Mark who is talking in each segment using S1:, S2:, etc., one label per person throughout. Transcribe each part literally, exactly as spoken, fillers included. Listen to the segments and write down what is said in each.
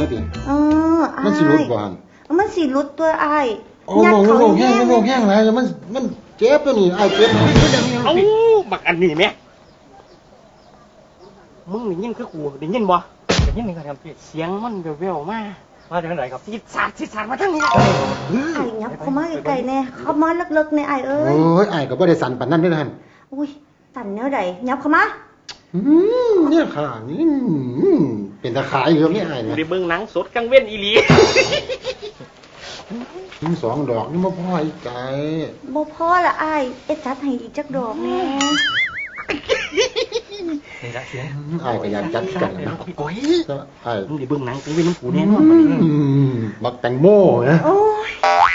S1: แล้วดิ
S2: เออ
S1: มันสิรุดบ่หั่น
S2: มันสิรุดตัวอ้าย
S1: โอ้โหโง่แห้งโง่แห้งแล้วมันมันเจ็บตัวนี้อ้ายเจ็บ
S3: เอ้าบักอันนี้แม่มึงได้ยินคือกูได้ยินบ่ได้ยินนี่ครับพี่เสียงมันแว่วๆมามาจากไหนครับสิสาดสิสาดมาทางนี้ไ
S2: อ้ยับเข้ามาไกลๆแน่เข้ามาลึกๆในอ้ายเอ้ย
S1: โอ้ยอ้ายก็บ่ได้สั่นปานนั้นเด้อหั่น
S2: อุ้ยสั่นแนวใดยับเข้ามา
S1: อืมเนี่ยค่ะนี่เป็นตาขายอยู่นี่อ้ายนะ
S3: ได้เบิ่งหนังสดกลางเว้นอีหลี
S1: ถึงสองดอกนี่บ่พออีกไก
S2: บ่พอละอ้ายเอ็ดจัดให้อีกจักดอกแน่
S3: นี่ละเสียง
S1: อ้ายก็อยากจัดกันนะ
S3: ก้อย
S1: อ้าย
S3: มึงได้เบิ่งหนังกลางเว้นของกูแน่นอน
S1: บักแตงโมนะ
S2: โอ้ย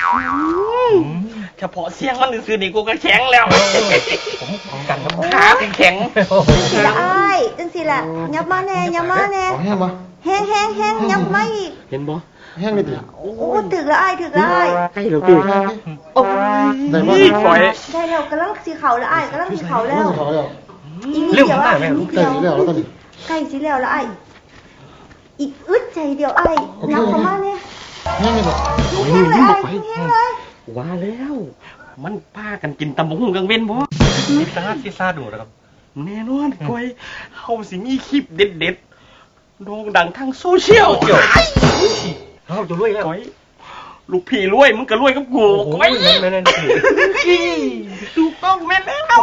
S3: เฉพาะเสียงมันซื่อๆนี่กูก็แข็งแล้วผมกันกับขาแข็ง
S2: ละอ้ายจังซี่ล่ะยับมาแน่ยับมาแน่
S1: แห้งบ่
S2: แห้งแห้งแห้งยับมาอีก
S3: เห็นบ่
S1: แห้งเลยดิ
S2: โอ้ถึกละอ้ายถึกละอ้าย
S3: ใกล้แล้วติโอ้ยก้อย
S2: ได้แล้วกำลังสิเข้าละอ้ายกำลังสิเข้าแล้ว
S1: อี
S2: นี่เดี๋ยวอ้าย
S1: ใกล้สิแล้วแล้วตอนนี้
S2: ใกล้สิแล้วละอ้ายอีกอึดใจเดียวอ้ายยับเข้ามาแน่
S1: แห้งเลยบ่
S2: แห้งเลยอ้ายแห้งเลย
S3: ว่าแล้วมันพากันกินตำบักหุ่งกลางเว้นบ่สิซาสิซาดูนะครับแน่นอนก้อยเฮาสิมีคลิปเด็ดๆโด่งดังทางโซเชียลเฮาจะรวยแล้วก้อยลูกพี่รวยมึงก็รวยกับกูก้อยแม่นๆถูกต้องแม่นแล้ว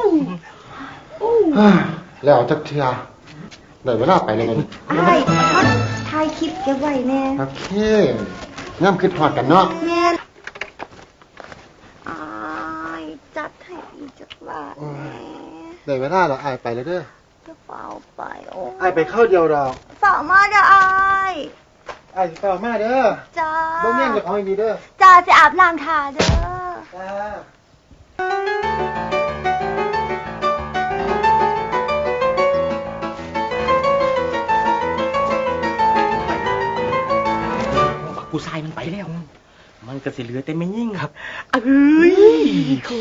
S1: แล้วจักเทื่อได้เวลาไปแล้วกัน
S2: อ้ายถ่ายคลิปเก็บไว้แน่
S1: โอเคงามคิดฮอดกันเนาะ
S2: แม่นอ้ายจัดให้อีกจักบาท
S1: ได้เวลาแล้วอ้ายไปแล้วเด้อ
S2: จะเฝ้าไปโอ้
S1: อ้ายไปเข้าเดียวดอก
S2: เฝ้ามาเด้ออ้าย
S1: อ้ายสิเฝ้ามาเด้อ
S2: จ้า
S1: บ่แม่นจะของดีเด้อ
S2: จ้าสิอาบน้ำทาเด้อ
S1: จ้า
S3: ผู้ชายมันไปแล้วมันก็สิเหลือแต่ไม่ยิ่งครับเอ้ยเขา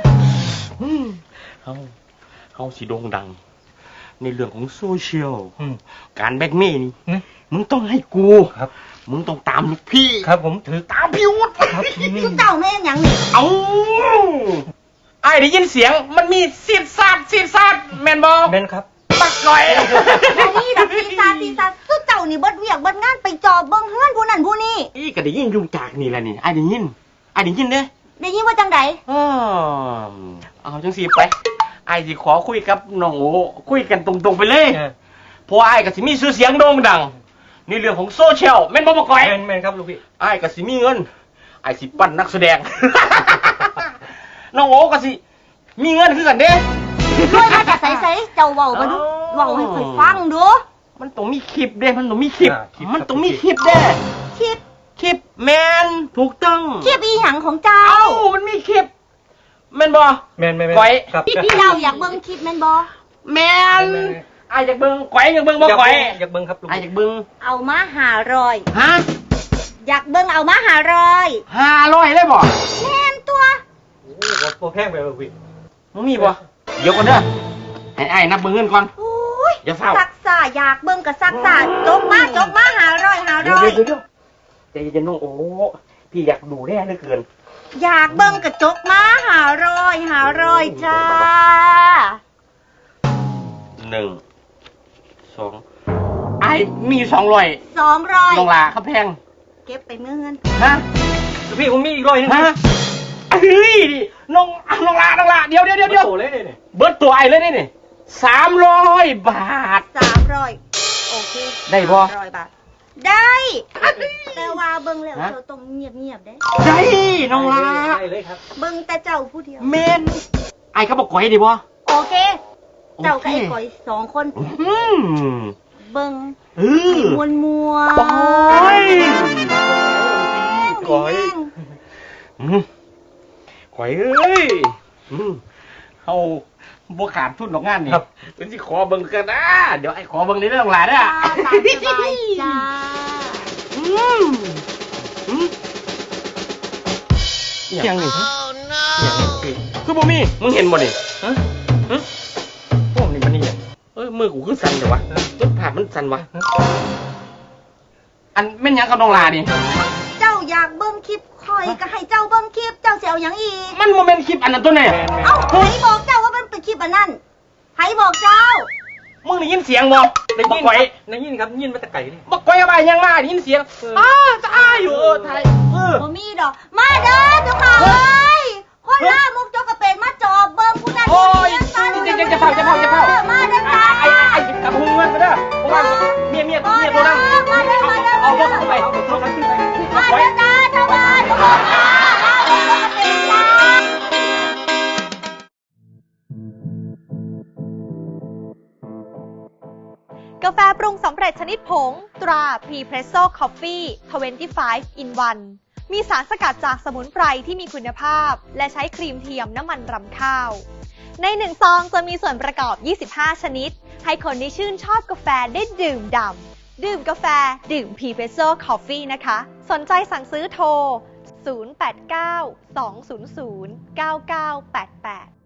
S3: เขาเขาสิโด่งดังในเรื่องของโซเชียลการแบล็กเมย์นี่มึงต้องให้กูครับมึงต้องตามพี่ครับผมถือตามพี่วุฒิ
S2: ครับคุณเจ้าแม่ยังนี่
S3: เอ้าไอ้ได้ยินเสียงมันมีซีดซาดซีดซาดแมนบอ
S1: แมนครับ
S3: ปักก่อย
S2: นี่ดับซีซาซีซาสุดเจ้านี่เบิดเวียกเบิดงานไปจอบเบิ่งเฮือนผู้นั้นผู้นี้
S3: อีก็ได้ยินยุงจากนี่แหละนี่ไอ้ได้ยินไอ้ได้ยินเด้
S2: ได้ยินว่าจังได
S3: เออเอาจังสิไปไอ้สิขอคุยกับน้องโอคุยกันตรงๆไปเลยเพราะไอ้ก็สิมีชื่อเสียงโด่งดังในเรื่องของโซเชียลแม่นบ่บ่ก่อย
S1: แม่นๆครับลูกพี่
S3: ไอ้ก็สิมีเงินไอ้สิปั้นนักแสดงน้องโอก็สิมีเงินคือกันเด้
S2: ด้วยมาจากใสๆเจ้าเว้ามาดูเว้าให้ข่อยฟังดู
S3: มันต้องมีคลิปเด้มันต้องมีคลิปมันต้องมีคลิปเด้
S2: คลิป
S3: คลิปแมนถูกต้อง
S2: คลิปอีหยังของเจ้า
S3: เอ้ามันมีคลิปแม่นบ่
S1: แม่นๆ
S3: ก้อย
S2: พี่เราอยากเบิ่งคลิปแม่นบ่
S3: แม่นไอ้อยากเบิ่งก้อยอยากเบิ่งบ่ก้อย
S1: อยากเบิ่งครับลูก
S3: ไอ้อยากเบิ่ง
S2: เอามาห้าร้อย
S3: ฮะ
S2: อยากเบิ่งเอามาห้าร้อย
S3: ห้าร้อยเลยบ่
S2: แม่นตัว
S1: โอ้บ่แพงไปบ่พี่
S3: มึงมีบ่เดี๋ยวก่อนเด้อให้ไอ้นับเบิ่งเงินก่อน
S2: โอ้ย
S3: อย่าเฝ้า
S2: ซักซ่าอยากเบิ่งก็ซักซ่าจกมาจกมาห้าร้อย ห้าร้อย
S3: เดี๋ยวๆใจเย็นๆน้องโอ้พี่อยากดูแน่เหลือเกิน
S2: อยากเบิ่งก็จกมาห้าร้อย ห้าร้อยจ้า
S3: หนึ่ง สองไอ้มีสองร้อย
S2: สองร้อย
S3: น้องลาครับแพง
S2: เก็บไปเมื่อเงิน
S3: ฮะพี่ผมมีอีกร้อยนึงฮะเฮ้ยน้องน้องลาน้องลาเดี๋ยวเดี๋ยวเดี๋ยวเดี๋ยวเบิร์ดตัวไอ้เลยนี่สามร้อยบาท
S2: สามร้อยโอเค
S3: ได้บ่
S2: สามร้อยบาทได้แต่ว่าเบิ่งแล้วเจ้าต้องเงียบๆได้
S3: ได้น้องลา
S1: ได้เลยครับ
S2: เบิ่งแต่เจ้าผู้เดียว
S3: เมนไอ้เขาบอกก่อยดีบ่
S2: โอเคเจ้ากับไอ้ก่อยสองคนเบิ่ง
S3: เออ
S2: มวนมัว
S3: ก่อยก่อยก่อยเอ้ยเอาบ่ขาดทุนดอกงานนี่เป็นสิขอเบิ่งกันนะเดี๋ยวไอ้ขอเบิ่งในเรื่องหลายเด้อ
S2: ตามสบายจ้าอืม
S3: อืมยังนี่ยังนี่คือบ่มีมึงเห็นบ่นี่ฮะฮะพวกนี้มันนี่เอ้ยมือกูคือสั่นเลยวะต้นผ่ามันสั่นวะอันแม่นหยังกับน้องลานี่
S2: เจ้าอยากเบิ่งคลิปคอยก็ให้เจ้าเบิ่งคลิปเจ้าเสียวยังอีก
S3: มันโมเมนต์คลิปอันนั้นตัวไหน
S2: เอ้าไผบอกเจ้าว่ามันเป็นคลิปอันนั้นไผบอกเจ้า
S3: มึงได้ยินเสียงบ่ได้ยินไหม
S4: ได้ยินครับยินมาแต่ไก่นี่
S3: บักก้อยอะไรยังมาได้ยินเสียงอ้าจะอ้าอยู่เออไทยเออ
S2: บ่มีดอก มาเด้อเจ้าค่ะเอ้ยคนล่ามุกจกกระเป็นมาจอบเบิ่งผู้นั้น
S3: โอ้ย
S2: ผู้นี้
S3: จะจะจะเผาจะเผาจะเผา
S2: มาเด้อ
S3: ไอ้
S2: ค่ะ
S3: ไอ้ไอ้กระพุ้งมันมาเด้อเพราะว่าเมียเมียเมียตัวนั้น
S2: มาเด้อมาเด้อ
S3: เอา
S2: มา
S3: บ
S2: เด้
S3: อก
S2: อ
S3: เข้าไปเอาบอกเข้าไป
S2: มา
S3: ไว้
S2: เด้อจ้าชาวบ้านทุกคนจ้าล่ามุกจกกระเป็นจ้า
S5: กาแฟปรุงสำเร็จชนิดผงตรา Prepresso Coffee ยี่สิบห้า in วัน มีสารสกัดจากสมุนไพรที่มีคุณภาพ และใช้ครีมเทียมน้ำมันรำข้าว ในหนึ่งซองจะมีส่วนประกอบ ยี่สิบห้า ชนิด ให้คนที่ชื่นชอบกาแฟได้ดื่มด่ำดื่มกาแฟดื่ม Prepresso Coffee นะคะ สนใจสั่งซื้อโทร ศูนย์ แปด เก้า สอง ศูนย์ ศูนย์ เก้า เก้า แปด แปด